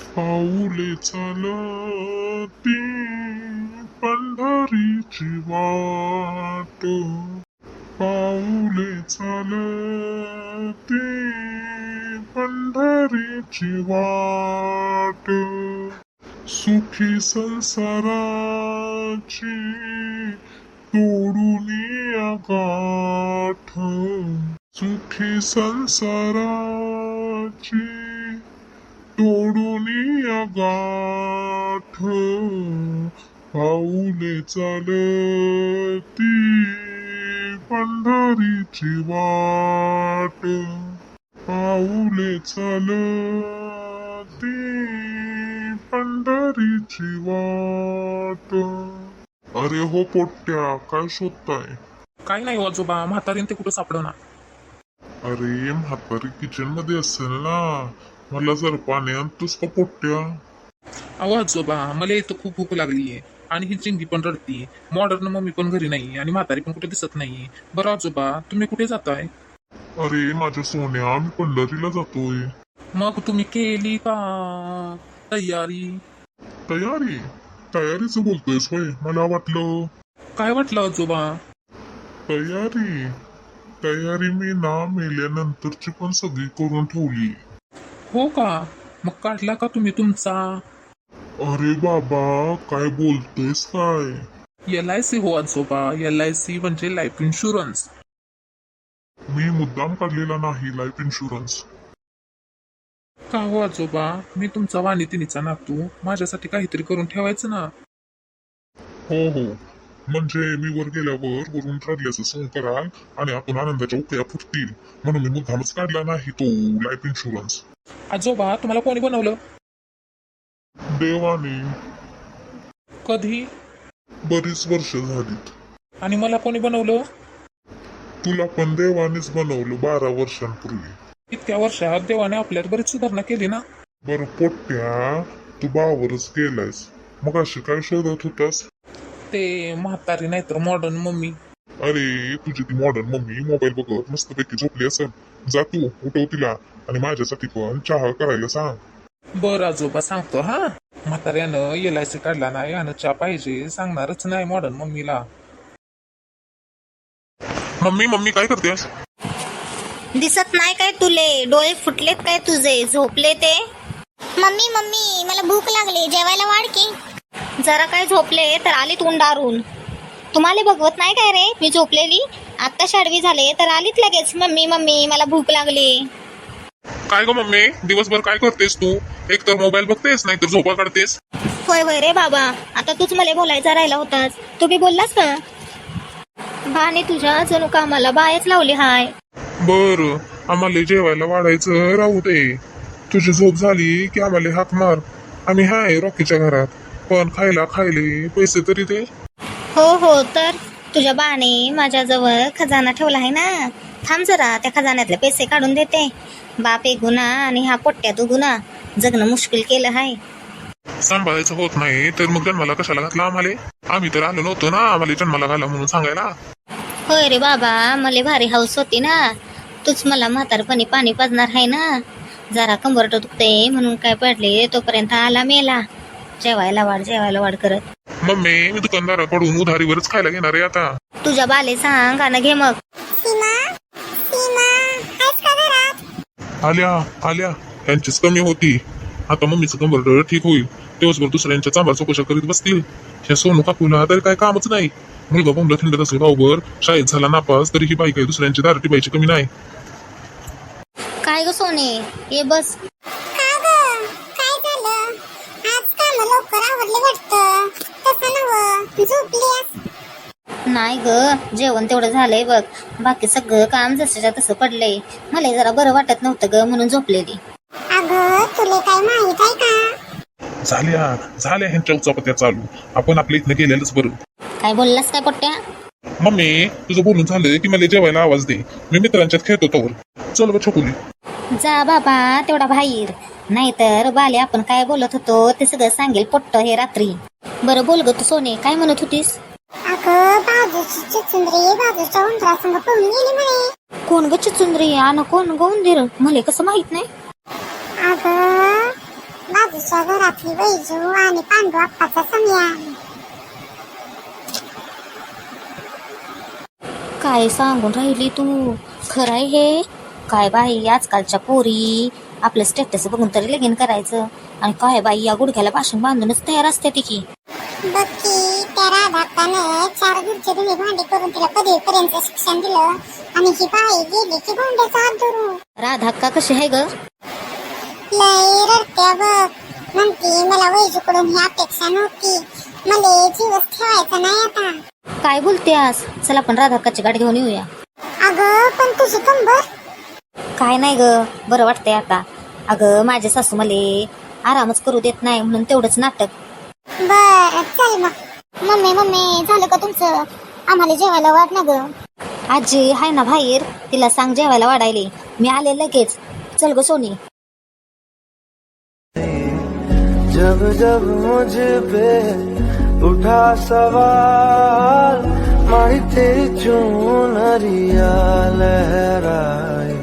पाऊले चालती पंढरीची वाट, पाऊले चालती पंढरीची वाट, सुखी संसाराची तोडून गाठ, सुखी संसाराची तोडून गाठ, पाऊले चालती पंढरीची वाट, पाऊले चालती पंढरीची वाट. अरे हो पोट्ट्या, काय शोधताय? काय नाही आजोबा, म्हातारीन ते कुठं सापडना. अरे म्हातारी किचन मध्ये असेल ना, मला जर पाणी आणतोस का पोट्ट्या? अहो आजोबा, मला इथं खूप भूक लागलीये आणि ही चिंगी पण रडतीये. मॉडर्न मम्मी पण घरी नाही आणि म्हातारी पण कुठे दिसत नाहीये. बरं आजोबा, तुम्ही कुठे जाताय? अरे माझ्या सोन्या, मी पंढरीला जातोय. मग तुम्ही केली का तयारी? तयारी? तयारीचं बोलतोयस होय? मला वाटलं. काय वाटलं आजोबा? तयारी तयारी मी ना मेल्यानंतरची पण सगळी करून ठेवली. हो का? मग काढला का तुम्ही तुमचा अरे बाबा, काय बोलतोयस काय? LIC? हो आजोबा, LIC म्हणजे लाईफ इन्शुरन्स. मी मुद्दाम काढलेला नाही लाईफ इन्शुरन्स. का हो आजोबा, मी तुमचा वाणितिनीचा नातू, माझ्यासाठी काहीतरी करून ठेवायचं ना. हो हो, म्हणजे मी वर गेल्यावर वरून ठरल्याचं सोंग कराल आणि आपण आनंदाच्या उकळ्या फुटतील, म्हणून मी मुद्दामच काढला नाही तो लाईफ इन्शुरन्स. आजोबा, तुम्हाला कोणी बनवलं? देवाने. कधी? बरीच वर्ष झालीत. आणि मला कोणी बनवलं? तुला पण देवानेच बनवलं 12 वर्षांपूर्वी. इतक्या वर्षात देवाने आपल्यात बरीच सुधारणा केली ना. बरं पोट्ट्या, तू बावरच गेलायस, मग अशी काय शोधत होतास? ते म्हातारी नाहीतर मॉडर्न मम्मी. अरे तुझी ती मॉडर्न मम्मी मोबाईल बघत मस्तपैकी झोपली असेल. जा तू उठव तिला आणि माझ्यासाठी पण चहा करायला सांग. बरं आजोबा, सांगतो हा. म्हाताऱ्यानं LIC काढला नाही आणि चहा पाहिजे सांगणारच नाही मॉडर्न मम्मीला. मम्मी मम्मी काय करतेस? दिसत नाही काय तुले? डोळे फुटलेत काय तुझे? झोपले ते? मम्मी मम्मी, मला भूक लागली, जेवायला वाढ की. जरा काय झोपले तर आलीत उंडारून. तुम्हाला बघवत नाही काय रे मी झोपलेली? आत्ता शाडवी झाले तर आलीत लगेच, मम्मी मम्मी मला भूक लागली. काय ग मम्मी, दिवसभर काय करतेस तू? एक तर मोबाईल बघतेस, नाही तर झोपा काढतेस. होय होय रे बाबा, आता तूच मला बोलायचा राहिला होतास. तू बी बोललास का? बाने तुझ्या जणू कामाला बायच लावली हाय. बर, आम्हाला जेवायला वाढायचं राहू दे. तुझी झोप झाली की आम्हाला हाक मार. आम्ही हाय रॉकीच्या घरात, पण खायला खायले पैसे तरी दे. हो हो, तर तुझ्या बाने माझ्याजवळ खजाना ठेवला आहे ना. थांब जरा, त्या खजान्यातले पैसे काढून देते. बाप एक गुन्हा आणि हा पोट्ट्या तू गुन्हा, जगणं मुश्किल केलं हाय. सांभाळायचं होत नाही तर मग जन्माला कशाला घातला आम्हाला? आम्ही तर आलो नव्हतो ना आम्हाला जन्माला घाला म्हणून सांगायला. होय रे बाबा, मला भारी हाऊस होती ना. तूच मला म्हातारपणी पाणी पाजणार आहे ना. जरा कंबरट दुखते म्हणून काय पडले, तोपर्यंत आला मेला. जेवायला वाढ करत. मम्मी, मी दुकानदाराकडून उधारीवरच खायला घेणार आहे आता. तुझ्या बाले सांग, गाणं घे मग. आल्या आल्या, यांचीच कमी होती. आता मम्मीचं कंबरड ठीक होईल, दिवसभर दुसऱ्यांच्या चांभार चौकशा करीत बसतील. ह्या सोनू काकूला तरी काय कामच नाही. मुलगा बोंबला थंडत असेल गावभर, शाळेत झाला नापास तरी ही बाई काही दुसऱ्यांची दारू टिपायची कमी नाही. काय ग सोने, ये बस. नाही ग, जेवण तेवढं झालंय बघ. बाकी सगळं काम जसंच्या तसं पडलंय. मला जरा बरं वाटत नव्हतं ग म्हणून झोपलेली. अगं तुला काय माहित आहे का? झाल्या ह्यांच्या उचापत्या चालू. आपण आपल्या इथनं गेलेलंच बरं. काय बोललास काय पोट्ट्या? मम्मी, तुझं बोलून झालं की मला जेवायला आवाज दे. मी मित्रांच्यात खेळतो तोवर. चल ब छोकुली. जा बाबा तेवढा बाहेर, नाहीतर बाले आपण काय बोलत होतो ते सगळं सांगेल पोट्ट हे रात्री. बरं बोल ग तू सोने, काय म्हणत होतीस? अगं बाजूची चिचुंद्री बाजूच्या उंदरासंग पळून गेली म्हणे. कोण ग चिचुंद्री आणि कोण ग उंदीर? मला कसं माहित नाही. अगं बाजूच्या घरातली वैजू आणि पांडू आप्पाचा समया. काय सांगून राहिली तू? खरं आहे हे? काय बाई, आजकालच्या पोरी आपलं स्टेटस बघून तरी लगीन करायचं, आणि काय बाई या गुडघ्याला पासून बांधूनच तयार असते ती की. बघ की त्या राधाकाने 4 गुडचे धुणे भांडी करून तिला पदवीपर्यंत शिक्षण दिलं आणि ही बाई गेली की भांड्याचा हात धरून. राधाक्का कशी आहे ग? लय रडत्या बघ. म्हणती मला वैजूकडून ही अपेक्षा नव्हती, मला जीवच ठेवायचा नाही आता. काय बोलते आज? चला आपण राधाक्काची गाडी घेऊन येऊया. अगं पण तुझी कंबर. काय नाही ग, बरं वाटतंय आता. अगं माझे सासू मले आरामच करू देत नाही म्हणून तेवढंच नाटक. बर चल मग. मम्मी मम्मी झालं का तुमचं? आम्हाला जेवायला वाढ ना ग. आजी हाय ना बाहेर, तिला सांग जेवायला वाढायले. मी आले लगेच. चल ग सोनी. जब जब मुझ पे उठा सवाल, मारी तेरी चुनरिया लहराई,